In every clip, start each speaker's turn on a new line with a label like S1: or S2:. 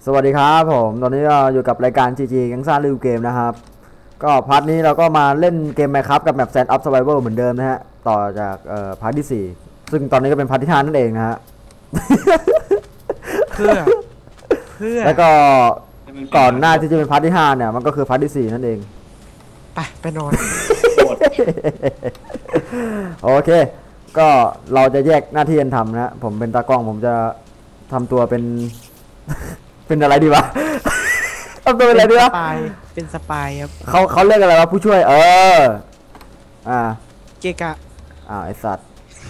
S1: วัสดีครับผมตอนนี้เราอยู่กับรายการ GG แก๊งซ่ารีวิวเกมนะครับก็พาร์ทนี้เราก็มาเล่นเกม Minecraft กับแมป Sand of Survival เหมือนเดิมนะฮะต่อจากพาร์ทที่4ซึ่งตอนนี้ก็เป็นพาร์ทที่5นั่นเองนะฮะ
S2: เพื่อ
S1: แล้วก็ก่อนหน้าที่จะเป็นพาร์ทที่5เนี่ยมันก็คือพาร์ทที่4นั่นเอง
S2: ไปนอน
S1: โอเคก็เราจะแยกหน้าที่กันทำนะผมเป็นตากล้องผมจะทำตัวเป็นเป็นอะไรดีวะทำตัวเป็นอะไรดีวะ
S2: เป็นสปายครับ
S1: เขาเรียกอะไรวะผู้ช่วย
S2: เกกะ
S1: ไอสัตว์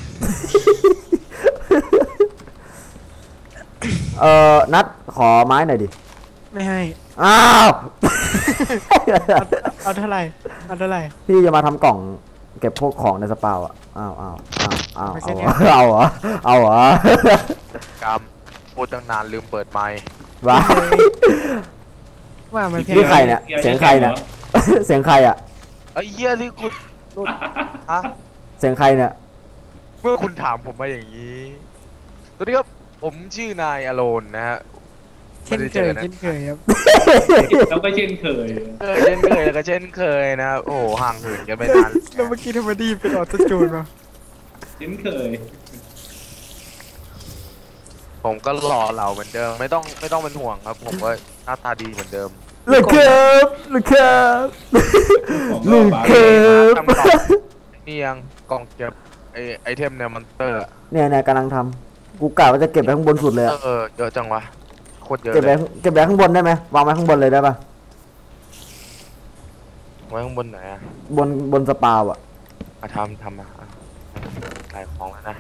S1: นัดขอไม้หน่อยดิ
S2: ไม่ให้เอาเท่าไหร่
S1: พี่จะมาทำกล่องเก็บพวกของในสปาวอ่ะเอาเหร
S3: กรรมพูดตั้งนานลืมเปิดไมค์
S2: ว่ามัน
S1: พี่ใครเนี่ยเสียงใครเนี่ยเสียงใครอ่ะ
S3: ไอ้เหี้ยนี่คุณฮะ
S1: เสียงใครเนี่ย
S3: เมื่อคุณถามผมมาอย่างนี้สวัสดีครับผมชื่อนายอโลนนะฮะ
S2: เช่นเคยครับ
S4: แล้วก็เช่นเคย
S3: แล้วก็เช่นเคยนะโอ้โหห่างเหินกันไม่นาน
S2: แล้วเมื่อกี้ทำไมดีเป็นออโต้จูนมา
S4: เช่นเคย
S3: ผมก็หล่อเหลาเหมือนเดิมไม่ต้องเป็นห่วงครับผมก็หน้าตาดีเหมือนเดิม
S1: ลูกครับ
S3: นี่ยังกล่องเก็บไอเทมเนี่ยมอนเตอร์
S1: เนี่ยกำลังทำกูกะว่าจะเก็บไปข้างบนสุดเลย
S3: เยอะจังวะโคตรเยอะ
S1: เก็บไปข้างบนได้ไหมวางไว้ข้างบนเลยได้ปะ
S3: ไว้ข้างบนไหนอะ
S1: บนสปาวอะ
S3: ทำใส่ของแล้วนะ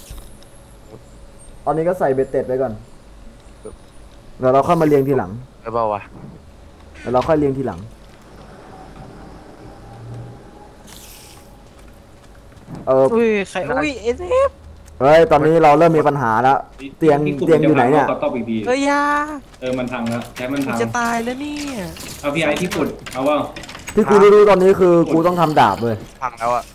S1: ตอนนี้ก็ใส่เบ็ดเต็ดไปก่อนเดี๋ยวเราค่อยมาเรียงทีหลัง
S3: ได้เปล่าวะ
S1: เดี๋ยวเราค่อยเรียงทีหลัง
S2: อุ้ยใครเอฟ
S1: เฮ้ยตอนนี้เราเริ่มมีปัญหาแล้วเตียงอยู่ไหนเนี่ย
S2: ยา
S4: มันพังแล้วใช้มันพัง
S2: จะตายแล้วนี่
S4: เอาพี่ไอที่ขุดเอาว่า
S1: ที่กูรู้ตอนนี้คือกูต้องทำดาบเลย
S3: พังแล้วอ่ะ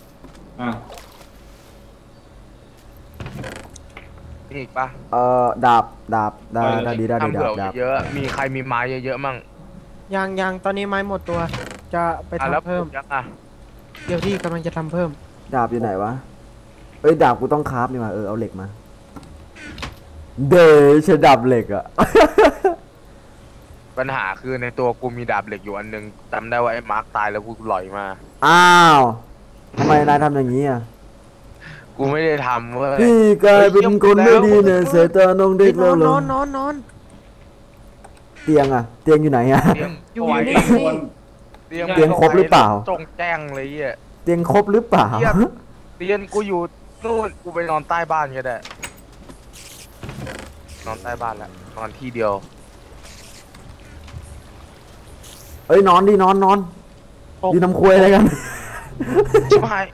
S3: มีอีกปะ
S1: ดาบได้
S3: เยอะมีใครมีไม้เยอะมั่ง
S2: ยังตอนนี้ไม้หมดตัวจะไปทำเพิ่มเดี๋ยวที่กำลังจะทำเพิ่ม
S1: ดาบอยู่ไหนวะดาบกูต้องคราฟนี่มาเอาเหล็กมาใช้ดาบเหล็กอะ
S3: ปัญหาคือในตัวกูมีดาบเหล็กอยู่อันนึงจำได้ว่าไอ้มาร์คตายแล้วกูหลอยมา
S1: ทำไมนายทำอย่างนี้อ่ะ
S3: กูไม่ได้ทำเว้ย
S1: พี่กลายเป็นคนไม่ดีเนี่ยเสียตาน้องเด็กแล้วเหรอน
S2: อน
S1: เตียงอยู่ไหนอะ
S2: อยู่นี่
S1: เตียงครบหรือเปล่า
S3: จงแจ้งเลยอ่ะ
S1: เตียงครบหรือเปล่า
S3: เตียงกูอยู่นู่นกูไปนอนใต้บ้านก็ได้นอนใต้บ้านแล้วนอนที่เดียวน
S1: อนดินอนยืนน้ำคุยอะไรกัน
S3: ชิบหาย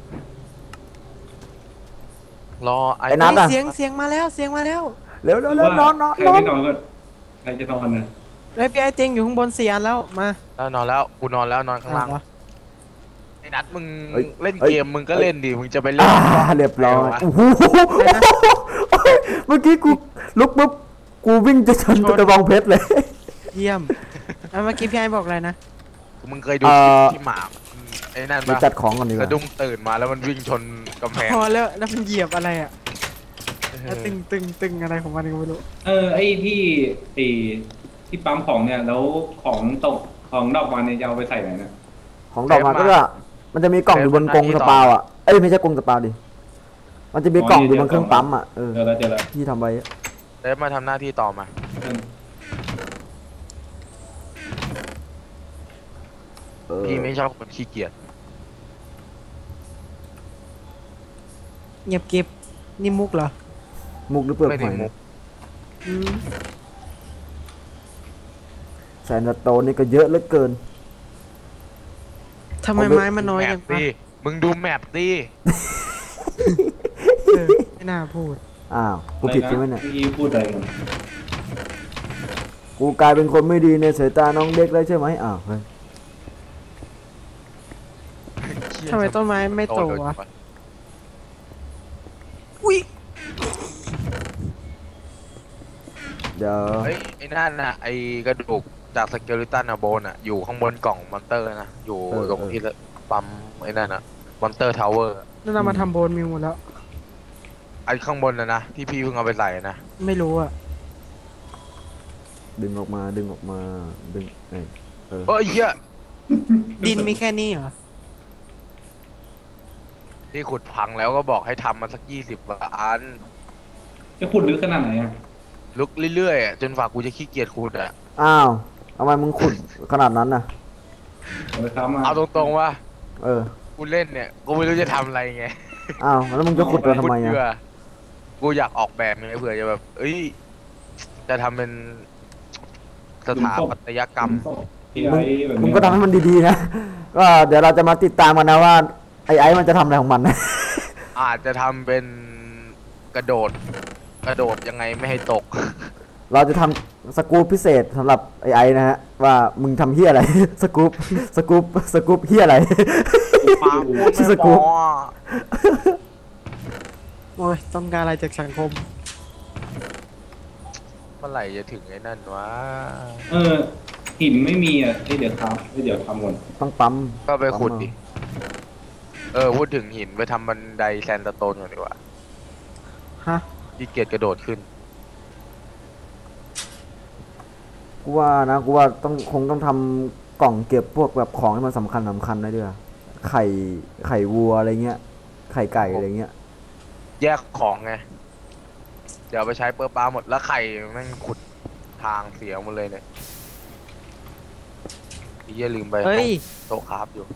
S3: รอ
S1: ไอ้นัทอะ
S2: เสียงมาแล้ว
S1: เร็ว
S4: นอนใครไม่นอนก็ใครจะนอนนะ
S2: ไอ้พี่ไอเตียงอยู่ข้างบน4 อันแล้วมา
S3: แล้วนอนแล้วกูนอนแล้วนอนข้างล่างไอ้นัทมึงเล่นเกมมึงก็เล่นดิมึงจะไปเล่น
S1: เรียบร้อยเมื่อกี้กูลุกปุ๊บกูวิ่งจะชนกระบองเพชรเลย
S2: เยี่ยมเมื่อกี้พี่ไอบอกอะไรนะ
S3: มึงเคยดูที่หมาไอ้นั่นปะ
S1: จัดของกันดีกว่า
S3: สะดุ้งตื่นมาแล้วมันวิ่งชนกำแพง
S2: พอแล้วมันเหยียบอะไรอ่ะตึงอะไรของมันก็ไม่รู้
S4: ไอ้ที่ปั๊มของเนี่ยแล้วของตกของดอกมันเนี่ยจะเอาไปใส่ไหนนะ
S1: ของดอกมันก็มันจะมีกล่องอยู่บนกรงสปาวอ่ะไม่ใช่กรงสปาวดิมันจะมีกล่องอยู่บนเครื่องปั๊มอ่ะ
S4: เจอแล้ว
S1: ที่ทำไว้
S3: เดฟมาทำหน้าที่ต่อมาพี่ไม่ชอบคนขี้เกียจ
S2: เงียบเก็บนี่มุกเหรอ
S1: มุกหรือเปลือกหอยแซนด์โตนนี่ก็เยอะเหลือเกิน
S2: ทำไมไม้มันน้อยอย่าง
S3: นี้มึงดูแมปดิ
S2: ไม่น่าพูด
S1: กูผิดใช่ไหมเนี่ย
S4: พูดอะไรกัน
S1: กูกลายเป็นคนไม่ดีในสายตาน้องเด็กแล้วใช่ไหมเฮ้ย
S2: ทำไมต้นไม้ไม่โตวะอุ้ย
S1: เดี๋ยว
S3: เฮ้ยไอ้นั่นน่ะไอ้กระดูกจากสเกลิตันอะโบนอะอยู่ข้างบนกล่องมอนเตอร์นะอยู่ตรงที่ปั๊มไอ้นั่นอะมอนเตอร์ทาวเวอร์
S2: นั่นเรามาทำโบนมิวหมดแล้ว
S3: ไอ้ข้างบนนะที่พี่เพิ่งเอาไปใส่นะ
S2: ไม่รู้อ่ะ
S1: ดึงออกมาดึงเอ้ย
S3: เฮ้ยเหี้ย
S2: ดินมีแค่นี้เหรอ
S3: ที่ขุดพังแล้วก็บอกให้ทำมาสัก20 อัน
S4: จะขุดลึกขนาดไหนอ่ะ
S3: ลุกเรื่อยๆอะจนฝากกูจะขี้เกียจขุดอะ
S1: อ้าวทำไมมึงขุดขนาดนั้นน่ะ
S4: เอาไปทำมา
S3: เอาตรงๆว่า
S1: เออ
S3: กูเล่นเนี่ยกูไม่รู้จะทำอะไรไง
S1: อ้าวแล้วมึงจะขุดมาทำไม
S3: ขุด
S1: อ่ะ
S3: เพื่อกูอยากออกแบบไงเผื่อจะแบบเอ้ยจะทำเป็นสถาปัตยกรรม
S4: ที่ไอ้แบบ
S1: มึง
S4: นี้
S1: ก็ทำให้มันดีๆนะ ก็เดี๋ยวเราจะมาติดตามกันนะว่าไอ้มันจะทำอะไรของมันนะ
S3: อาจจะทำเป็นกระโดดยังไงไม่ให้ตก
S1: เราจะทำสกู๊ปพิเศษสำหรับไอ้นะฮะว่ามึงทำเฮียอะไร สกู๊ปเฮียอะไร
S3: ปาพูด
S1: ชื่อส
S3: ไม่
S1: กู๊
S3: พ
S1: ป
S3: อ
S2: โอ้ยต้องการอะไรจากสังคม
S3: เมื่อไหร่จะถึงไอ้นั่นวะ
S4: หินไม่มีอ่ะเดี๋ยวครับเดี๋ยวทำก่อน
S1: ต้องปั๊ม
S3: ก็ไปขุดดิพูดถึงหินไปทำบันไดแซนด์สโตนก่อนดีกว่า
S2: ฮะ
S3: ที่เกียจกระโดดขึ้น
S1: กูว่าคงต้องทำกล่องเก็บพวกแบบของที่มันสำคัญได้ด้วยไข่วัวอะไรเงี้ยไข่ไก่อะไรเงี้ย
S3: แยกของไง เดี๋ยวเอาไปใช้เปอร์ปลาหมดแล้วไข่แม่งขุดทางเสียหมดเลยเนี่ยพี่อย่าลืมไป
S2: เฮ้ย
S3: โต๊ะคราฟอยู่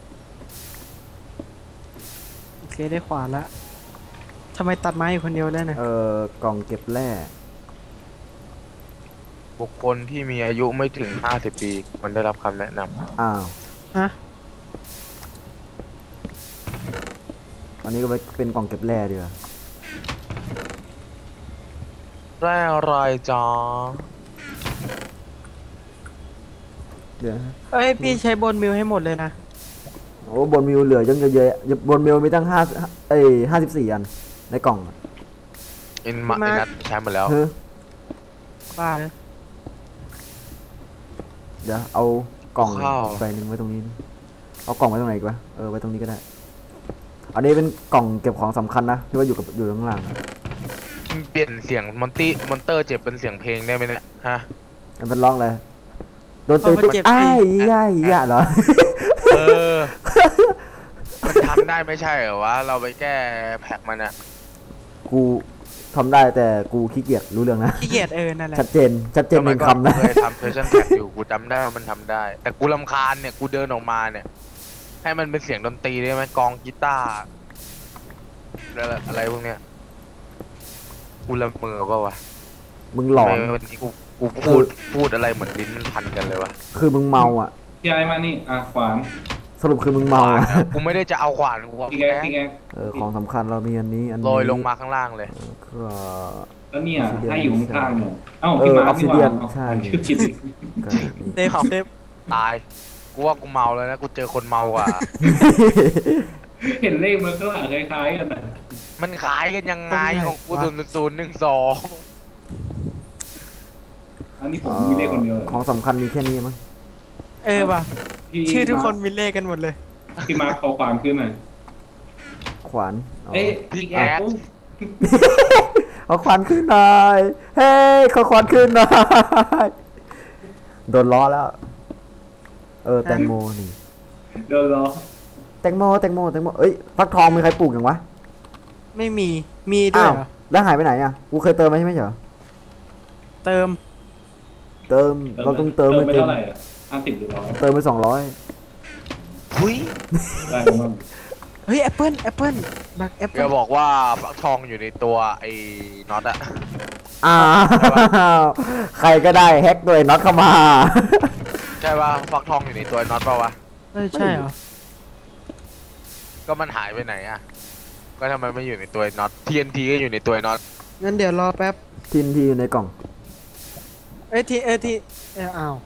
S2: โอเคได้ขวานละทำไมตัดไม้อยู่คนเดียวได้นะ
S1: กล่องเก็บแร่
S3: บุคคลที่มีอายุไม่ถึง50 ปีมันได้รับคำแนะนำ
S1: อ้าว
S2: ฮะ
S1: อันนี้ก็เป็นกล่องเก็บแร่ดีกว่า
S3: แร่อะไรจ้า
S1: เดี๋ยวนะ
S2: เอ้ยพี่ใช้โบนมิวให้หมดเลยนะ
S1: โอ้บนมิวเหลือยังเยอะๆบนมิวมีตั้ง54 อันในกล่องอะ
S3: อินนัทใช้หมดแล้ว
S1: เฮ้ย
S2: บ้าเลย
S1: เดี๋ยวเอากล่อง
S3: ข้าว
S1: ใบหนึ่งไว้ตรงนี้ดิเอากล่องไว้ตรงไหนอีกวะไว้ตรงนี้ก็ได้ อันนี้เป็นกล่องเก็บของสำคัญนะที่ว่าอยู่ข้างล่างอะ
S3: เปลี่ยนเสียงมอนเตอร์เจ็บเป็นเสียงเพลงได้ไหมเนี่ยฮะ
S1: มันเป็นร้องเลยโดนตีตุ๊กอ้ายเหรอ
S3: เออ มันทำได้ไม่ใช่เหรอวะ เราไปแก้แพ็กมันอะ
S1: กูทำได้แต่กูขี้เกียจรู้เรื่องนะ
S2: ขี้เกียจนั่นแหละ
S1: ชัดเจนในคำนะ
S3: เคยทำเพชชั่นแพ็กอยู่กูจำได้ว่ามันทำได้ แต่กูรำคาญเนี่ยกูเดินออกมาเนี่ย ให้มันเป็นเสียงดนตรีได้ไหมกลองกีตาร์อะไรพวกเนี้ยกูละเมอเปล่าวะ
S1: มึงหลอน
S3: ทำไมวันนี้กูพูดอะไรเหมือนลิ้นมันพันกันเลยวะ
S1: คือมึงเมาอ่ะ
S4: พี่ไอ้มานี่ขวาน
S1: สรุปคือมึงเมาอ่ะ
S3: กูไม่ได้จะเอาขวานกูเอา
S4: พี่
S3: แค่
S4: แก
S1: ของสำคัญเรามีอันนี้
S3: โรยลงมาข้างล่างเลย
S1: ก็
S4: แล้วเนี่ยให้อยู่ข้างๆเนี่ย
S1: เออ
S4: พี่มา
S1: ออกซิเดียนใช่
S4: ชื่อกิน
S1: ก็นี่
S2: เซฟเซฟ
S3: ตาย กูว่ากูเมาแล้วนะ กูเจอคนเมากว่า
S4: เห็นเลขมันก็หลังคล้ายๆกันนะ
S3: มันขายกันยังไงของกู00012
S4: อันนี้ผมมีเลขคนเดียว
S1: ของสำคัญมีแค่นี้มั้ง
S2: ว่ะ
S4: พี่
S2: ชื่อทุกคนมีเลขกันหมดเลย
S4: พี่มาร์คขอความขึ้นหน่อย
S1: ขวานเอา
S3: พี่แอด
S1: เอาขวานขึ้นหน่อยเฮ้ยขอขวานขึ้นหน่อยโดนล้อแล้ว แตงโมนี่
S4: เดี๋ยวรอ
S1: แตงโมเอ้ยฟักทองมีใครปลูกอย่างวะ
S2: ไม่มีด้วยเหรอ
S1: แล้วหายไปไหนอ่ะกูเคยเติมมาใช่ไหมเหรอ
S2: เติม
S1: เราต้องเติม
S4: ไป
S1: ไม่เต็ม
S4: เท่าไหร่50หรือ100
S1: เติมไป200
S3: หุย
S4: ได้มั้ง
S2: เฮ้ยแอปเปิ้ลบักแอป
S3: แก
S2: เปิ้ล
S3: บอกว่าฟักทองอยู่ในตัวไอ้น็อตอะ
S1: อ้าวใครก็ได้แฮกโดยน็อตเข้ามา
S3: ใช่ป่ะฟักทองอยู่ในตัวน็อตป่าวะ
S2: ใช่เหรอ
S3: ก็มันหายไปไหนอะก็ทำไมไม่อยู่ในตัวน็อต TNT ก็อยู่ในตัวน็อต
S2: งั้นเดี๋ยวรอแป๊บ
S1: ทินทีอยู่ในกล่อง
S2: อ้าว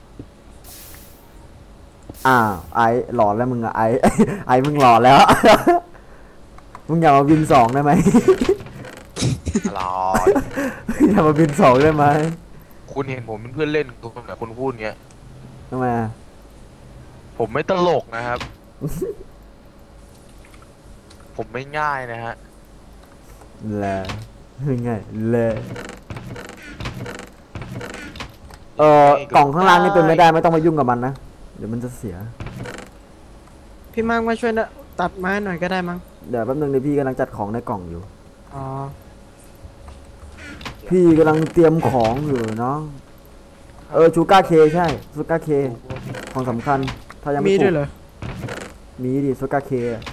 S1: ไอหลอนแล้วมึงอะไอมึงหลอนแล้ว มึงอย่ามาบิน2ได้ไหม
S3: อร่อย
S1: อย่ามาบิน2ได้ไหม
S3: คคุณเห็นผมเป็นเพื่อนเล่นคุณแบบคุณพูดเงี้ย
S1: ทำไมอะ
S3: ผมไม่ตลกนะครับ ผมไม่ง่ายนะฮะ
S1: แลไงแลกล่องข้างล่างนี่เป็นไม่ได้ไม่ต้องมายุ่งกับมันนะเดี๋ยวมันจะเสีย
S2: พี่มาร์คมาช่วยนะตัดไม้หน่อยก็ได้มั้ง
S1: เดี๋ยวแป๊บนึงเดี๋ยวพี่กำลังจัดของในกล่องอยู่
S2: อ๋อ
S1: พี่กำลังเตรียมของอยู่น้องชูการ์เคใช่ชูการ์เคของสำคัญถ้ายังไม่
S2: มี
S1: ถู
S2: ด้วย
S1: ก
S2: เหรอ
S1: มีดิชูการ์เค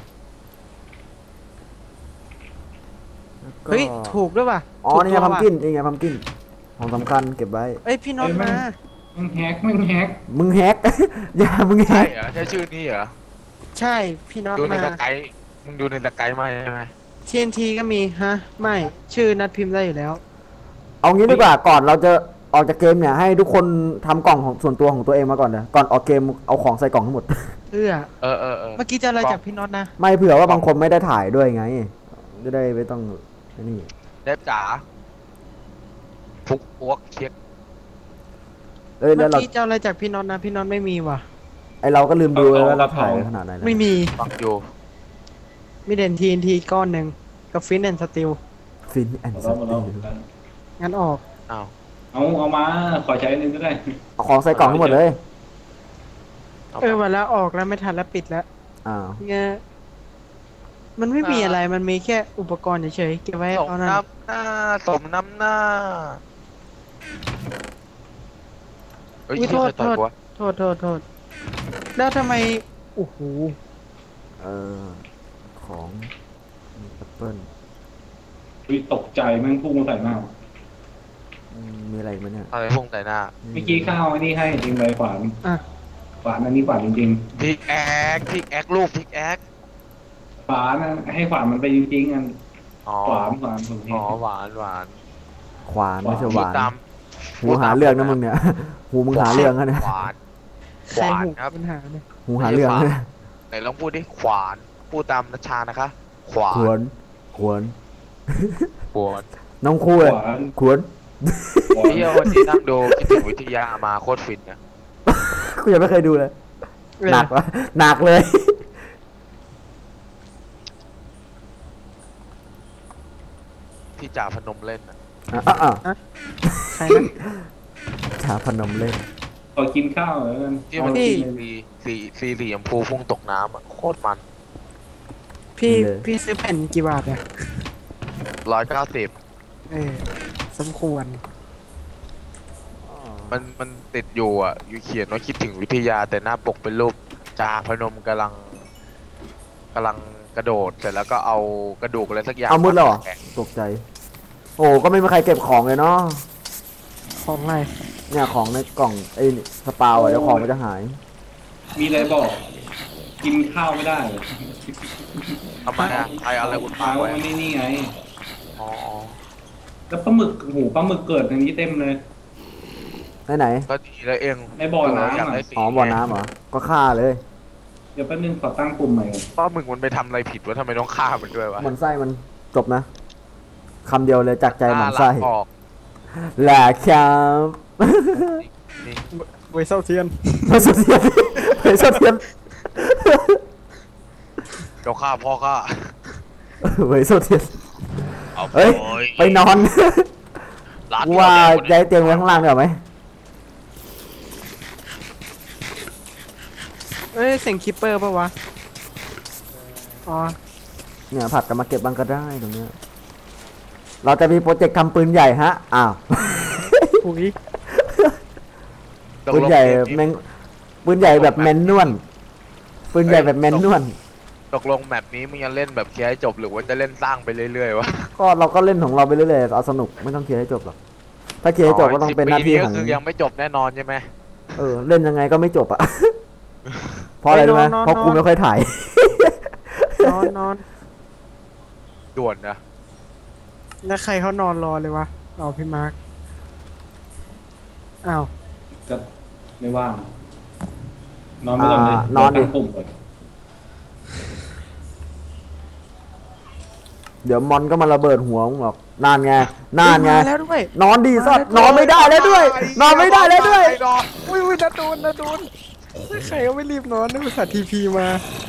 S2: เฮ้ยถูกด้วยป่ะ
S1: อ๋อ
S2: ถู
S1: นี่ไง
S2: ตัว
S1: พัม
S2: ว่ะ
S1: กินนี่ไงพัมกินของสำคัญเก็บไว้
S2: เอ้ยพี่น็อต
S4: เอ้ย
S2: มา
S4: มึงแฮกมึงแฮก
S1: มึงแฮก อย่ามึงแฮ
S3: ใช่
S1: ก
S3: เหรอใช่ชื่อนี้เหรอ
S2: ใช่พี่น็อต
S3: ดูใน
S2: มา
S3: ตะไคร้มึงดูในตะไคร้มาใช่ไหม
S2: TNT ก็มีฮะไม่ชื่อนัดพิมพ์ได้อยู่แล้ว
S1: เอางี้ดีกว่าก่อนเราจะออกจากเกมเนี่ยให้ทุกคนทำกล่องของส่วนตัวของตัวเองมาก่อนเลยก่อนออกเกมเอาของใส่กล่องทั้งหมด
S2: เอื้อ
S3: เออ
S2: เมื่อกี้จะอะไรจากพี่น็อตนะ
S1: ไม่เผื่อว่าบางคนไม่ได้ถ่ายด้วยไงจะได้ไม่ต้องนี่
S3: เดฟจ๋าฟุกอ้วกเช็ค
S1: เอ้ย
S2: เมื่
S1: แล้
S2: อ
S1: วเรา
S2: กี้จะอะไรจากพี่น็อตนะพี่น็อตไม่มีว่ะ
S1: ไอเราก็ลืมดูเลยว่าเราถ่ายขนาดไหนแล้ว
S2: ไม่มี
S3: ฟังอยู่
S2: มีเด่น TNT ก้อนหนึ่งกับฟินแอนสติล
S1: ฟินแอนด์ส
S4: เราเรา
S1: ตีล
S2: งั้นออก
S3: อ้าว
S4: เอามาขอใช้อันนึงก็ได้
S1: เอาของใส่กล่องทั้งหมดเลย
S2: วันแล้วออกแล้วไม่ทันแล้วปิดแล้ว
S1: อ้าว
S2: เงี้ยมันไม่มีอะไรมันมีแค่อุปกรณ์เฉยๆเก็บไว้
S3: สม
S2: เอานั่น
S3: น้ำหน้าสมน้ำหน้าเฮ้ย
S2: อุ๊ย
S3: ชื่อใครต่อย
S2: โทษ
S3: กูวะ
S2: โทษแล้วทำไมโอ้โห
S1: เออของแอปเปิ้ล
S4: อุ๊ยตกใจแม่งพุ่งมาใส่หน้า
S1: มีอะไรอีกไหมเนี่ย
S3: อะไรพุ่งใส่หน้า
S4: เมื่อกี้ข้าวไอ้นี่ให้จริงใบขวาน
S2: อ่ะ
S4: ขวานอันนี้ขวานจริง
S3: พิกแอคลูกพิกแอค
S4: ๆขวานนะให้ขวานมันไปจริงๆอัน
S3: อ๋อ
S4: ขวานผมเห็
S3: อ๋
S4: น
S3: อหวาน
S1: ขวานไม่ใช่ห
S3: พูด
S1: วาน
S3: ตาม
S1: หูหาเรื่องนะมึงเนี่ย หูมึงหาเรื่องนะเนี่ย
S3: ขวาน
S2: ใครหู
S3: ครับ
S2: ปัญหาเนี่ย
S1: หูหาเรื่องนะเนี่ย
S3: ไหนลองพูดดิขวานพูดตามนัชชานะคะ ขวา
S1: ขวน นขวน
S3: ขวาน
S1: น้องคู่เลย
S4: ขวาน
S1: ขวน
S4: ขวาน
S3: เที่ยววันนี้นั่งดูคิดถึงวิทยามาโคตรฟินนะ
S1: กูยังไม่เคยดูเลย หนักวะหนักเลย
S3: ที่จ่าพนมเล่นนะ
S2: ใครนะ
S1: ชาพนมเล่น
S4: ขอกินข้าวแล้วกัน
S3: ที่มัน
S2: พี่
S3: สีเหลี่ยมพูพุ่งตกน้ำอ่ะโคตรมัน
S2: พี่ซื้อแผ่นกี่บาทเนี่ย
S3: 190
S2: สมควร
S3: มันติดอยู่อ่ะอยู่เขียนว่าคิดถึงวิทยาแต่หน้าปกเป็นรูปจ่าพนมกำลังกระโดดเสร็จแล้วก็เอากระดูกอะไรสักอย่าง
S1: เอามืดแล้วเหรอ
S3: แข็ง
S1: ตกใจ โอ้ก็ไม่มีใครเก็บของเลยเนาะ
S2: ของอะไร
S1: เนี่ยของในกล่องไอ้นี่สปาวอะเดี๋ยวของมันจะหาย
S4: มีอะไรบอก กินข้าวไม่ได้
S3: ทำไมอ่ะใครเอาอะไรอุดปา
S4: ข้ากว
S3: ไว้
S4: มันนี่ไง
S3: อ๋อ
S4: แล้วปลาหมึกหูปลาหมึกเกิดในนี้เต็มเลย
S1: ไหน
S3: ก็ดีแล้วเอง
S4: ในบ่อน้ำ
S3: อยากได้
S4: อ่ะ
S3: สี
S1: อ๋อบ่อน้ำเหรอ ก็ฆ่าเลย
S4: เดี๋ยวแป๊บนึงขอตั้งปุ่มใหม่ก่อน
S3: ป้ามึงมันไปทำอะไรผิดวะทำไมต้องฆ่ามันด้วยวะ
S1: มันไส้มันจบนะคำเดียวเลยจากใจหมันไส้
S3: ฆ่าล้างออก
S1: แหละครับ
S3: นี่
S2: เวเซลเทียน
S1: ไม่สะเทียนไม่สะเทียน
S3: เดี๋ยวฆ่าพ่อฆ่า
S1: ไม่สะเทียน
S3: เอา
S1: เฮ้ย ไปนอน
S3: ร้าน
S1: กูว่าย้ายเตียงไว้ข้างล่างเดี๋ยวาไหม
S2: เสียงคิปเปอร์ปะวะ อ๋อ
S1: เนี่ยผัดกันมาเก็บบ้างก็ได้ตรงเนี้ยเราจะมีโปรเจกต์ทำปืนใหญ่ฮะ อ้าว
S2: หุย
S1: ปืนใหญ่แมงปืนใหญ่แบบแมนนวลปืนใหญ่แบบแมนนวล
S3: ตกลงแมปนี้มึงจะเล่นแบบเคลียร์ให้จบหรือว่าจะเล่นสร้างไปเรื่อยๆวะ
S1: ก็เราก็เล่นของเราไปเรื่อยๆเอาสนุกไม่ต้องเคลียร์ให้จบหรอกถ้าเคลียร์ให้จบก็ต้องเป็นหน้าที่
S3: 10 ปี
S1: ข
S3: ก็
S1: อง
S3: คือยังไม่จบแน่นอนใช่ไหม
S1: เล่นยังไงก็ไม่จบอ่ะ เพราะอะไรรู้ไหมเพราะกูไม่ค่อยถ่าย
S2: นอน
S3: ด่วนนะ
S2: แล้วใครเขานอนรอเลยวะเอาพี่มาร์คอ้าว
S4: จะไม่ว่าง นอนไม่หลับเลย
S1: อ่านอนดิ
S4: เยวตั้งปุ่มก่อน
S3: นอน
S1: นอน
S3: ดิ
S1: ดิ
S3: นอน
S1: น
S3: ดิ
S1: อนเดี๋ยวมอนก็มาระเบิดหัวมึงหรอกนานไงนานไง
S2: มาแล้วด้วย
S1: นอนดีสัตว์นอนไม่ได้แล้วด้วย นอนไม่ได้แล้วด้วย
S2: อุ้ยนาดูนใครก็ไม่รีบนอนนึกว่าสัตว์ทีพีมาน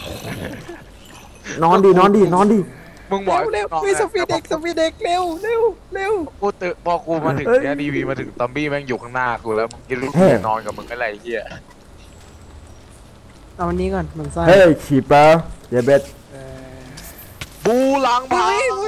S1: อนดีนอนดีนอนดี
S3: มึงบอก
S2: เร็วมีสปีดเด็กเร็ว
S3: กูตื่นพอกูมาถึงเนี่ยดีวีมาถึงซอมบี้แม่งอยู่ข้างหน้ากูแล้วมึงจะรู้จะนอนกับมึงอะไรเหี้ย
S2: เอาอันนี้ก่อนมันไส้
S1: เฮ้ยฉีเปอร์เดเบต
S3: บูหลังผา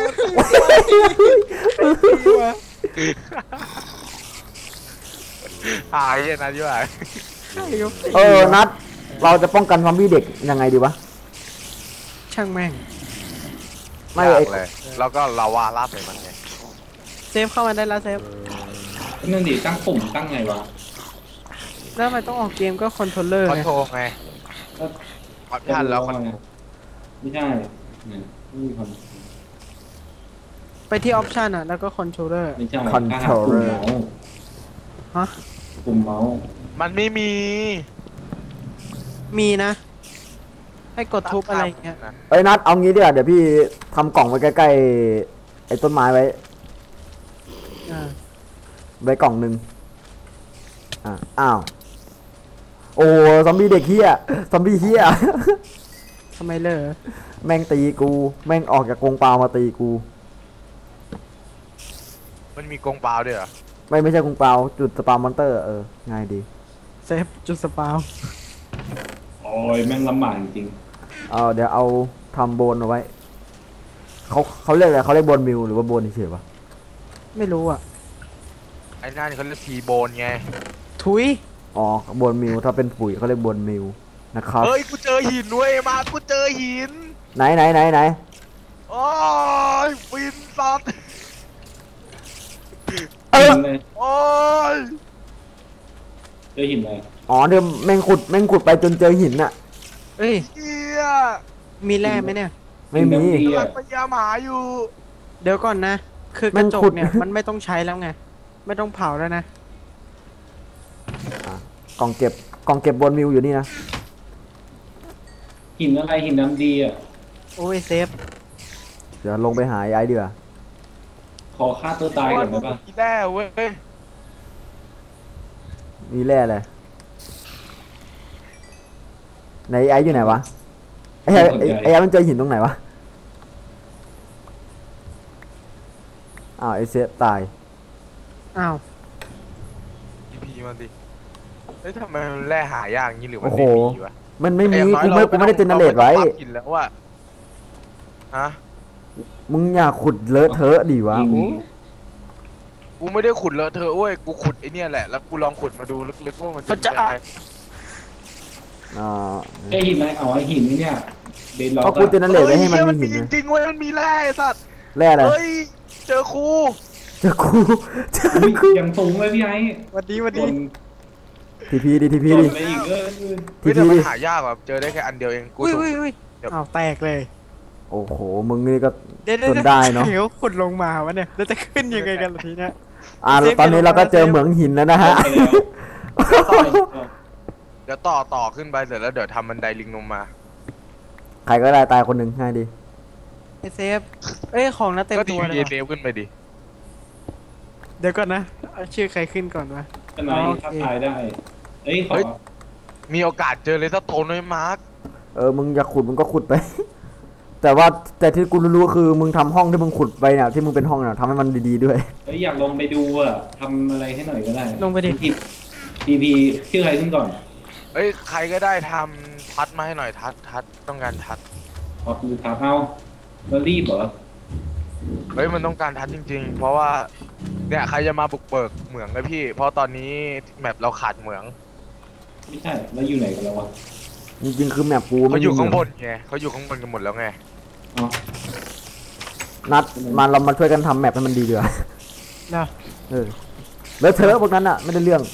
S3: หายเหี้ยนะที่ว่า
S1: นัดเราจะป้องกันซอมบี้เด็กยังไงดีวะ
S2: ช่างแม่ง
S1: ไม่
S3: ยา
S1: ไอ้
S3: กเลยแล้วก็ลาวาลาดใส่มันไง
S2: เซฟเข้ามาได้แล้วเซฟ
S4: นั่นดิตั้งปุ่มตั้งไงวะ
S2: แล้วทำไมต้องออกเกมก็คอนโทรลเลอร์
S3: คอน
S2: ไง
S3: โทรไงออปชั่นแล้วคอนโทร
S4: ไม่ใช่เนี่ยไม่มีความ
S2: ไปที่ออปชันอ่ะแล้วก็คอนโทรลเลอร์
S4: ไม่ใช่
S1: คอนโทรลเลอร์
S2: ฮะ
S4: ปุ่มเมาส์
S3: มันไม่มี
S2: มีนะ ให้กดทุบอะไรอย่างเงี้ย
S1: เอ้ยนัดเอางี้ดีกว่าเดี๋ยวพี่ทำกล่องไว้ใกล้ๆไอ้ต้นไม้ไว้
S2: อ่า
S1: ไว้กล่องหนึ่งอ้าวโอ้ซอมบี้เด็กเฮียซอมบี้เฮีย
S2: ทำไมเลอ
S1: แม่งตีกูแม่งออกจากกรงเปล่ามาตีกู
S3: มันมีกรงเปล่าด้วยเหรอ
S1: ไม่ใช่กรงเปล่าจุดสปามอนเตอร์ง่ายดี
S2: เซฟจุดสปาว
S4: โอ้ยแม่งลำบากจริง
S1: เดี๋ยวเอาทำโบนเอาไว้เขาเรียกอะไรเขาเรียกโบนมิวหรือว่าโบนเฉยๆวะ
S2: ไม่รู้อ่ะ
S3: ไอ้นั่นเขาเรียกทีโบนไง
S2: ทุย
S1: อ๋อโบนมิวถ้าเป็นปุ๋ยเขาเรียกโบนมิวนะครับ
S3: เฮ้ยกูเจอหินด้วยมากูเจอหิน
S1: ไหน
S3: โอ้ยฟินสัตว์
S4: ๆเลย
S3: โอ้ย
S4: เจอหินเลย
S1: อ๋อเดี๋ยวแม่งขุดไปจนเจอหินน่ะ
S2: เอ้ย
S3: เฮีย
S2: มีแร่ไหมเนี่ย
S1: ไม่มี
S4: หินดำดี
S3: กำลั
S4: อะ
S3: งพยายามหาอยู่
S2: เดี๋ยวก่อนนะ คือกระจกเนี่ย มันไม่ต้องใช้แล้วไง ไม่ต้องเผาแล้วนะ
S1: กล่องเก็บบนมิวอยู่นี่นะ
S4: หินอะไรหินดำดีอ่ะ
S2: โอ้ยเซฟ
S1: เดี๋ยวลงไปหาไอ้เดือ
S4: ขอฆ่าตัวตายก่อนได้ปะ
S3: อีแด้เว้ย
S1: มีแร่เลยไหนไอ้อยู่ไหนวะไอ้มันเจอหินตรงไหนวะอ้าวไอ้เซฟตาย
S2: อ้าว
S3: อีพีมันดิเฮ้ยทำไมมันแร่หายากงี้หรือมัน
S1: โอ้โห
S3: ไม่มีวะ
S1: มันไม่มี
S3: แต่อย่างน้อย
S1: กูไม่ได้เจเนเรตไว้
S3: ราม่ต้องปรับหินแล้วอะฮะ
S1: มึงอย่าขุดเลอะเทอะดิวะ
S4: จริง
S1: โอ้
S3: กูไม่ได้ขุดเลอะเธอะเว้ยกูขุดไอเนี่ยแหละแล้วกูลองขุดมาดูลึกๆว่ามันจะเป็นยังไง
S1: อ่า
S4: ไอหินอะไรอ๋อไอหินนี่เนี่ยเดนล็อก
S1: เพราะกูเจเนเรตไว้ให้มัน
S3: เฮ้ย
S1: มีหิน
S3: จ
S1: นะ
S3: ริงๆเว้ยมันมีแร่ไอ้สัตว์
S1: แร่อะไร
S3: เฮ้ยเจอครู
S1: เจอกู
S4: ยังสูงเลยพี่ไอ้
S2: วันดี
S1: ทีพีดิ
S4: หล่นไปอีก
S1: ที
S3: เฮ้ยแต่
S1: พี
S3: มัน
S1: ดิ
S3: หายากแบบเจอได้แค่อันเดียวเองกู
S2: อุ้ย
S3: ถูก
S2: อุ้ยอ้าวแตกเลย
S1: โอ้โหมึงนี่ก็
S2: เดี๋ยว
S1: จนได้เนอะ
S2: เดี๋ยวขุดลงมาวะเนี่ยแล้วจะขึ้นยังไงกันล่ะทีเนี้ย
S1: ตอนนี้เราก็เจอเหมืองหินแล้วนะฮะ
S3: เดี๋ยวต่อขึ้นไปเสร็จแล้วเดี๋ยวทำบันไดลิงลงมา
S1: ใครก็ได้ตายคนหนึ่งง่ายดี
S2: ไอเซฟ เอ้ยของน่าเต็ม
S3: ก็ที
S2: ตัวเลย
S3: พี
S2: ว่ะ
S3: เซฟขึ้นไปดิ
S2: เดี๋ยวก่อนนะเอาชื่อใครขึ้นก่อนวะ
S4: ทนายถ้าตายได้ เอ้ยขอ
S3: มีโอกาสเจอเลสโตนด้วยมาร์ค
S1: มึงอยากขุดมึงก็ขุดไป แต่ที่กูรู้ๆคือมึงทำห้องที่มึงขุดไปเนี่ยที่มึงเป็นห้องเนี่ยทำให้มันดีๆด้วย
S4: เอ้ยอยากลงไปดูอ่ะทำอะไรให้หน่อยก็ได้
S2: ลงไปดิ
S4: ทีพีชื่ออะไรขึ้นก่อน
S3: เอ้ยใครก็ได้ทำทัดมาให้หน่อยทัดต้องการทัด
S4: ขอคือถามเอาแล้วรีบเหรอ
S3: เฮ้ยมันต้องการทัดจริงๆ เพราะว่าเนี่ยใครจะมาบุกเบิกเหมืองเลยพี่ เพราะตอนนี้แมปเราขาดเหมือง
S4: ไม่ใช่แล้วอยู่ไหนกันแล้ววะ
S1: จริงๆคือแมปกู
S3: เขา
S1: ไม่
S3: อยู่
S1: มี
S3: ข้างบนไงเขาอยู่ข้างบนกันหมดแล้วไง
S4: อ๋อ
S1: นัดเรามาช่วยกันทำแมปให้มันดีดีกว่า
S2: เนาะ
S1: แล้วเธอพวกนั้นอ่ะไม่ได้เรื่อง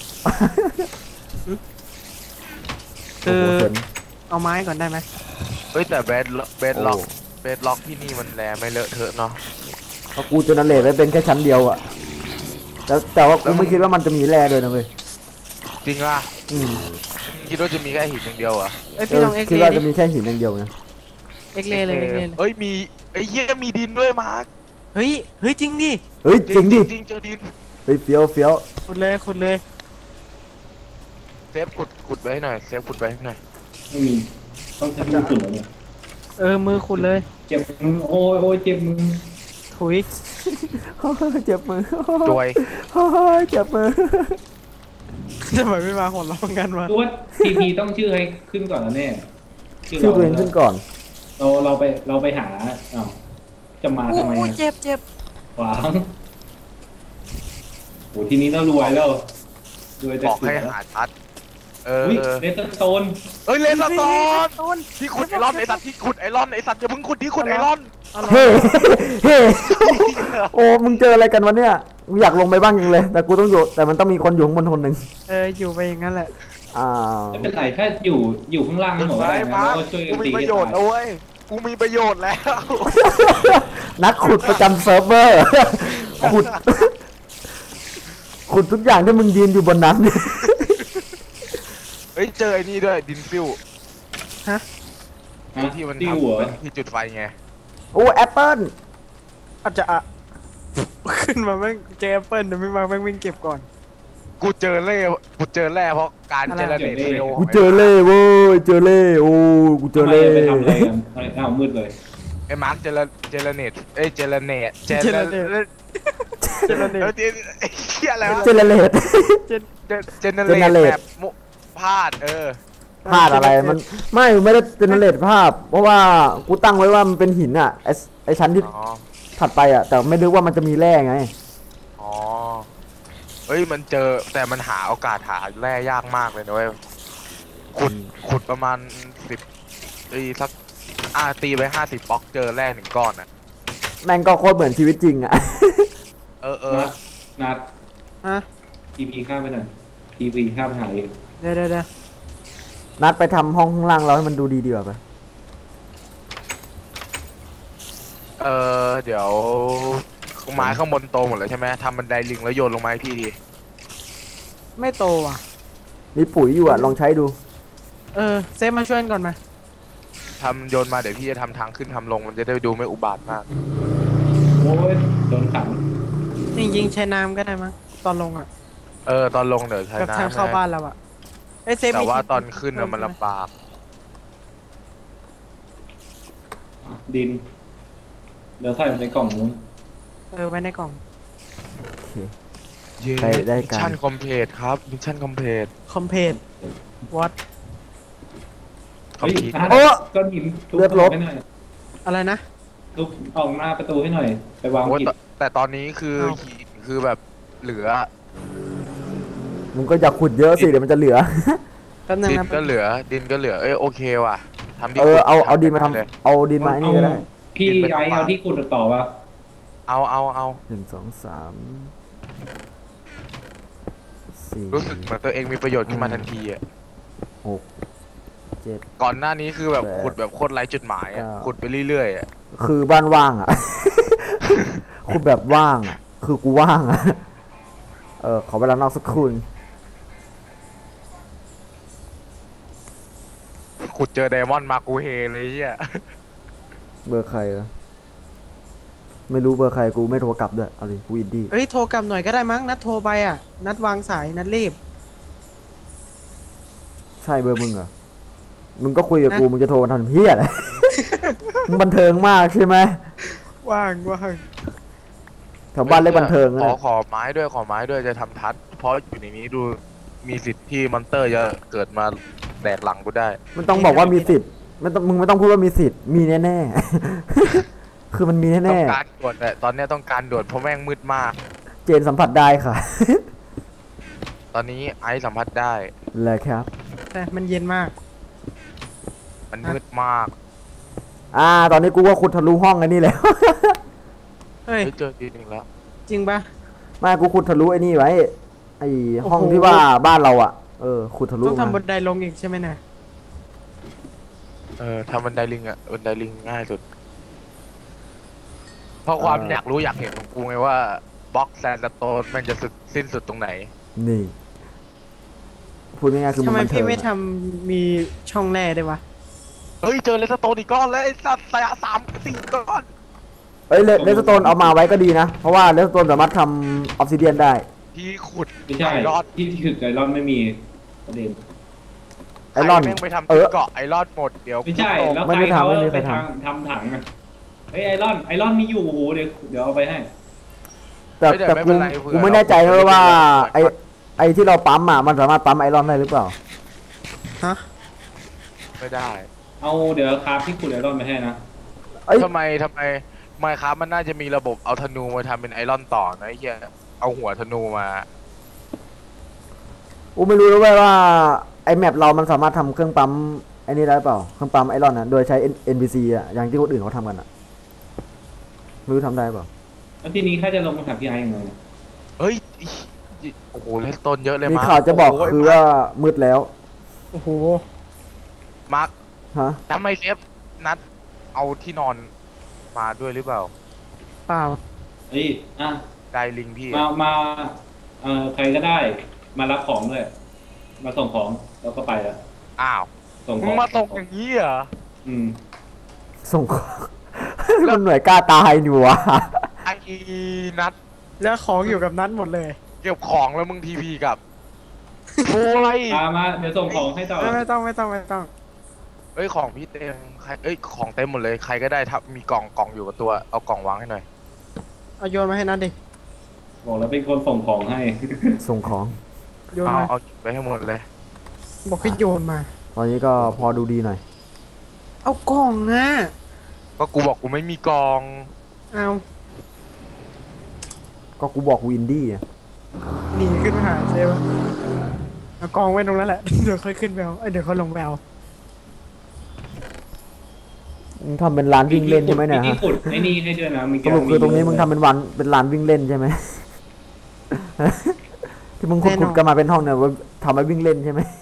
S2: คือ
S1: โโหเซ็ง
S2: เอาไม้ก่อนได้ไหม
S3: เฮ้ยแต่เบสล็อก
S1: โอ้
S3: เบสล็อกที่นี่มันแลไม่เลอะเทอะเนาะ
S1: เพราะกูเจเนเรตไว้เป็นแค่ชั้นเดียวอ่ะแต่ว่ากูไม่คิดว่ามันจะมีแร่ด้วยนะเว้ย
S3: จริงป่ะ
S1: อืม
S3: คิดว่าจะมีแค่หินอย่างเดียวเหรอ่ะ
S2: เอ้ยพี่ลองเอ็ก
S1: คิด
S2: เล
S1: ว่า
S2: ดิ
S1: จะมีแค่หินอย่างเดียวนะ
S2: เอ็กเลเลยเอ็กเลเลย
S3: เอ้ยไอ้เหี้ยมีดินด้วยมาร์ค
S2: เฮ้ยเฮ้ยจริงดิ
S1: เฮ้ยจริงดิ
S3: จริงเจอดิน
S1: เฮ้ยเฟี้ยวเฟี้ยว
S2: ขุดเลยขุดเลย
S3: เซฟขุดไว้ให้หน่อยเซฟขุดไว้ให้หน่อย
S4: ไม่มีต้องใช้มือขุดเหรอเนี่ย
S2: มือขุดเลย
S4: เจ็บมือโอ้ยโอ้ยเจ็บมือ
S2: ถุย
S1: เจ็บมือ
S3: รวย
S1: เจ็บมือ
S2: ทำไมไม่มาหัวเราะกันวะ
S4: ตัวทีพีต้องชื่อให้ขึ้นก่อนนะแน่
S1: ชื่อตัวเองขึ้นก่อน
S4: เราไปหาอ้าวจะมาทำไม
S2: โอ้
S4: อะ
S2: เจ็บเจ็บ
S4: ขวางโหทีนี้เรารวยแล้วรวยแต่
S3: บอก
S4: ขุด
S3: ให้
S4: แล้ว
S3: หาทัดเอ
S4: อุ้ย
S3: อ
S4: เลสเตอร์สโตน
S3: เอ้ยเลนสโตน
S2: ต้น
S3: ที่ขุดไอรอนไอสัตว์ที่ขุดไอรอนไอสัตว์อย่าเพิ่งขุดที่ขุดไอรอน
S1: เฮ้เฮ้โอ้มึงเจออะไรกันวะเนี่ยกูอยากลงไปบ้างจริงเลย แต่กูต้องอยู่แต่มันต้องมีคนอยู่ข้างบนคนหนึ่ง
S2: อยู่ไปอย่างนั้นแหละ
S1: อ้าว
S4: ไม่เป็นไรถ้าอยู่ข้างล่าง
S3: ไอ้
S4: หมด
S3: ไม้
S4: ได้นะ
S3: มา
S4: เราช่วยกัน
S3: กู
S4: ตี
S3: มีประโยชน์นะเว้ยกูมีประโยชน์แล้ว
S1: นักขุดประจำเซิร์ฟเวอร์ ขุด ขุดทุกอย่างที่มึงยืนอยู่บนนั้น
S3: เฮ้ยเจอไอ้นี่ด้วยดินฟิว
S2: ฮะ
S3: ไอ้ที่มัน
S4: ติ้ว
S3: ทำ
S4: เหรอ
S3: เป็นที่จุดไฟไง
S1: โอ้แอปเปิ้ล
S2: อาจจะขึ้นมาแม่งเจอแอปเปิ้ลเดี๋ยวไม่มาแม่งวิ่งเก็บก่อน
S3: กูเจอแร่เพราะการเจรเนตเร็ว
S1: กูเจอเล่เว้ยเจอเล่โอ้กูเจอเล่
S4: ไปทำอะไรกันอ้าวมืดเลย
S3: ไอ้มาร์คเจรเนตเอ้ยเจรเนต
S2: เจรเนต
S3: เอ้ยเหี้ยอะไรวะ
S1: เจเนเรต
S3: เจเนเรต
S1: Generate
S3: แบบพลาด
S1: พลาดอะไรมันไม่ได้เจเนเรตภาพ เพราะว่ากูตั้งไว้ว่ามันเป็นหินอ่ะไอชั้นที่
S3: อ๋อ
S1: ถัดไปอ่ะ แต่ไม่นึกว่ามันจะมีแร่ไง
S3: อ๋อเฮ้ยมันเจอแต่มันหาโอกาสหาแร่ยากมากเลยนะเว้ยขุดประมาณสักตีไป50บล็อกเจอแร่1ก้อนอ่ะ
S1: แม่งก็โคตรเหมือนชีวิตจริงอ่ะ
S4: นัด
S2: ฮะ
S4: ทีพีข้ามไปหน่อยทีพีข้ามไปหาเอง
S2: เดี๋ยว
S1: นัดไปทำห้องข้างล่างเราให้มันดูดีดีกว่าไป
S3: เดี๋ยวไม้ข้างบนโตหมดแล้วใช่ไหมทำบันไดลิงแล้วโยนลงมาให้พี่ดี
S2: ไม่โตว่ะ
S1: มีปุ๋ยอยู่อ่ะ ลองใช้ดู
S2: เซฟมาช่วยกันก่อนมา
S3: ทำโยนมาเดี๋ยวพี่จะทำทางขึ้นทำลงมันจะได้ดูไม่อุบาทมาก
S4: โอ้ยโดนขัง
S2: จริงๆใช้น้ำก็ได้มั้งตอนลงอ่ะ
S3: ตอนลงเดี๋ยวใช้
S2: กับทาง
S3: น้ำ
S2: เข้าบ้านเราอ่ะเซฟ
S3: แต่
S2: มี
S3: ว่าตอนขึ้นน่ะมันลำบาก
S4: ดินเดี๋ยวใส่ในกล่องนู้น
S2: ไว้ในกล่อง
S3: เย้
S1: ได้
S3: มิช
S1: การ
S3: ชั่นคอมเพลตครับมิชชั่นคอมเพลต
S2: คอมเพลตวอต
S3: คอม
S4: เฮ้ย
S3: พีท
S4: โอ้ก้อนหินทุบให้หน่อย
S2: อะไรนะ
S4: ทุบออกหน้าประตูให้หน่อย ไปวาง
S3: โอ้ย
S4: กิจ
S3: แต่ตอนนี้คือ
S2: อ้าว
S3: หินคือแบบเหลือ
S1: มึงก็อยากขุดเยอะสิ เดี๋ยวมันจะเหลือ
S2: แป๊บนึง
S3: ดิน
S2: นะ
S3: ก็เหลือดินก็เหลือโอเคว่ะทำที่
S1: เอาดินมาท
S3: เลย
S1: ำเอาดินมาไอ้นี่ก็ได้
S4: พี่ไอ้เอาที่ขุดต่อวะ
S3: เอา
S1: 1 2 3 4
S3: รู้สึกเหมือนตัวเองมีประโยชน์ขึ้นมาทันทีอ่ะ
S1: 6 7
S3: ก่อนหน้านี้คือแบบ
S1: แปด
S3: ขุดแบบโคตรไร้จุดหมายอ่ะ
S1: เก้า
S3: ขุดไปเรื่อยๆอ่ะ
S1: คือบ้านว่างอ่ะ ขุดแบบว่างอ่ะ คือกูว่างอ่ะ ขอเวลานอกสักครู่นึง
S3: ขุดเจอไดมอนด์มากูเฮเลยเฮีย
S1: เบอร์ใครอะไม่รู้เบอร์ใครกูไม่โทรกลับด้วยเอาดิกูอินดี้
S2: โทรกลับหน่อยก็ได้มั้งนัดโทรไปอ่ะ นัดวางสายนัดรีบ
S1: ใช่เบอร์มึงเหรอ มึงก็คุยกับ
S2: นะ
S1: กูมึงจะโทรมาทำเพี้ยอะไร มึงบันเทิงมากใช่ไหม
S2: ว่าง
S1: แถวบ้านเล็กบันเทิง
S3: ขอ
S1: นะ
S3: ขอไม้ด้วยจะทำทัด เพราะอยู่ในนี้ดูมีสิทธิ์ที่มอนเตอร์จะเกิดมาแดกหลังกูได้
S1: มันต้องบอกว่ามีสิทธิ์มึงไม่ต้องพูดว่ามีสิทธิ์ มีแน่ๆ คือมันมี
S3: ต้
S1: แน่
S3: องการด่วนแต่ตอนเนี้ยต้องการด่วนเพราะแม่งมืดมาก
S1: ๆ เจนสัมผัสได้ค่ะ
S3: ตอนนี้ไอซ์สัมผัสได้
S1: เลยครับ
S2: แต่มันเย็นมาก
S3: มันมืดมาก
S1: ตอนนี้กูว่าขุดทะลุห้องไอ้นี่แล้ว
S2: เฮ้ย
S3: เฮ้ยเจอทีหนึ่งแล้ว
S2: จริงปะ
S1: ไม่กูขุดทะลุไอ้นี่ไว้ ไอ้ห้อง
S2: โอ้โห
S1: ที่ว่าบ้านเราอ่ะ ขุดทะลุ
S2: ต้องทำบั
S1: มาน
S2: ไดลงอีกใช่ไหมนะ
S3: ทำบันไดลิงอ่ะบันไดลิงง่ายสุด เพราะความอยากรู้อยากเห็นของกูไงว่าบล็อกแซนด์สโตนมันจะสิ้นสุดตรงไหน
S1: นี่ พูดง่ายๆคือ
S2: ทำ
S1: มัน
S2: ไม
S1: บันเทิ
S2: พี่
S1: ง
S2: ไม่
S1: อะ
S2: ทำมีช่องแร่ได้วะ
S3: เฮ้ยเจอเลสโตนอีกก้อนแล้วไอ้สัตว์3-4 ก้อน
S1: เอ้ยเลสโตนเอามาไว้ก็ดีนะ เพราะว่าเลสโตนสามารถทำออฟซิเดียนได้
S3: ที่ขุด
S4: ไม่ใช่
S3: ไอรอน
S4: ที่ถึกไอรอนไม่มีประเด็น
S1: ไอรอน
S3: ใคแม่งไปทำที่เกาะไอรอนหมดเดี๋ยว
S4: ไม่ใช่
S3: กูตก
S4: แล้ว
S1: ไม่
S4: ใคร
S1: ได้ทำ
S4: เขา
S1: ไม่ได้
S4: ไป
S1: ทำ
S4: ทำถังอะเฮ้ยไอรอนมีอยู่เดี๋ยวเอาไปให้
S1: แต่กูไม่แน่ใจเลยว่าไอที่เราปั๊มอ่ะมันสามารถปั๊มไอรอนได้หรือเปล่า
S2: ฮะ
S3: ไม่ได้
S4: เอาเดี๋ยวคราฟที่ขุดไอรอนไปให้นะ
S1: เอ้ย
S3: ทำไมไมครับมันน่าจะมีระบบเอาธนูมาทำเป็นไอรอนต่อนะไอ้เหี้ยเอาหัวธนูมา
S1: กูไม่รู้เลยเว้ยว่าไอแมปเรามันสามารถทำเครื่องปั๊มไอ้นี่ได้เปล่าเครื่องปั๊มไอรอนนะโดยใช้ NPC อ่ะอย่างที่คนอื่นเขาทำกันอ่ะไม่รู้ทำได้เปล่า
S4: แล้วทีนี้ข้าจะลงมาถามพี่ไอ้ยังไง
S3: เฮ้ยโอ้โหเล่นต้นเยอะเลย
S1: มี
S3: มาร์ค
S1: ข่าวจะบอก
S3: โย
S1: คือว่ามืดแล้ว
S2: โอ้โห
S3: มาร์ค
S1: ฮะ
S3: ทำไมเซฟนัดเอาที่นอนมาด้วยหรือเปล่า
S2: เปล่า
S4: เฮ้ยอ่ะ
S3: ได้ลิงพี่
S4: มาใครก็ได้มารับของด้วยมาส่งของแล้วก็ไปแล้ว
S3: อ้าว
S4: ส่งข
S3: มึ
S4: อง
S3: งมาตกอย่างนี้เหรอ
S4: อืม
S1: ส่งของ มันหน่วยกล้าตายอยู่วะ
S3: ไอ้นัด
S2: แล้วของอยู่กับนั้นหมดเลย
S3: เก็บของแล้วมึงทีพีกับโอ้ย
S4: มาเดี๋ยวส่งของให้ต่อ
S2: ไม่ต้อง
S3: เอ้ยของพี่เต็มใครเอ้ยของเต็มหมดเลยใครก็ได้ถ้ามีกล่องอยู่กับตัวเอากล่องวางให้หน่อย
S2: เอาโยนมาให้นัดดิ
S4: บอกแล้วเป็นคนส่งของให้
S1: ส่งของ
S2: โยน
S3: เอา
S2: มา
S3: เอาไปให้หมดเลย
S2: บอกให้โยนมา
S1: ตอนนี้ก็พอดูดีหน่อย
S2: เอากล่องอ่ะ
S3: ก็กูบอกกูไม่มีกล่อง
S2: เอา
S1: ก็กูบอกวินดี้อะ
S2: หนีขึ้นมาหาเซฟเอากล่องไว้ตรงนั้นแหละ เดี๋ยวค่อยขึ้นไปเอาเดี๋ยวเขาลงไปเอา
S1: มึงทำเป็นร้านวิ่งเล่นใช่ไหมเนี่ย
S4: ที่
S1: ฮะ
S4: ขุดไอ้นี่ให้ด้วยนะ
S1: สรุปคือตรงนี้มึงทำเป็นเป็นร้านวิ่งเล่นใช่ไหม ที่มึงขุดกันมาเป็นห้องเนี่ยว่าทำไว้วิ่งเล่นใช่ไหม